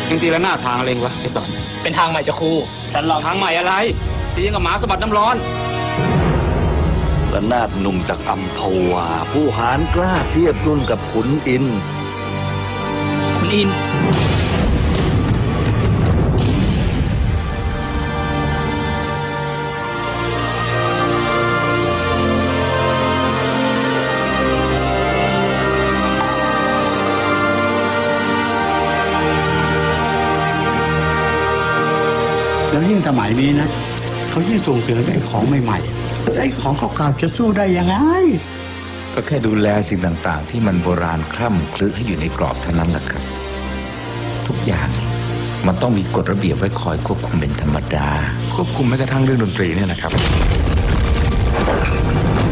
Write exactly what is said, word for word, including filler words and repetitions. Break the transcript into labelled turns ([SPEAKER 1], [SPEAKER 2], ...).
[SPEAKER 1] ยังตีละหน้าทางอะไรวะไอ้สอน
[SPEAKER 2] เป็นทางใหม่จ้ะครูฉันลอง
[SPEAKER 1] ทางใหม่อะไรตีกับหมาสะบัดน้ำร้อน
[SPEAKER 3] ระนาดหนุ่มจากอัมพวาผู้หาญกล้าเทียบรุ่นกับขุนอินทร์
[SPEAKER 2] คุณอิน
[SPEAKER 4] แล้วยิ่งสมัยนี้นะเขายิ่งส่งเสริมไอ้ของใหม่ๆไอ้ของเก่าๆจะสู้ได้ยังไง
[SPEAKER 5] ก็แค่ดูแลสิ่งต่างๆที่มันโบราณคล่ำคลึให้อยู่ในกรอบเท่านั้นแหละครับทุกอย่างมันต้องมีกฎระเบียบไว้คอยควบคุมเป็นธรรมดา
[SPEAKER 6] ควบคุมแม้กระทั่งเรื่องดนตรีเนี่ยนะครับ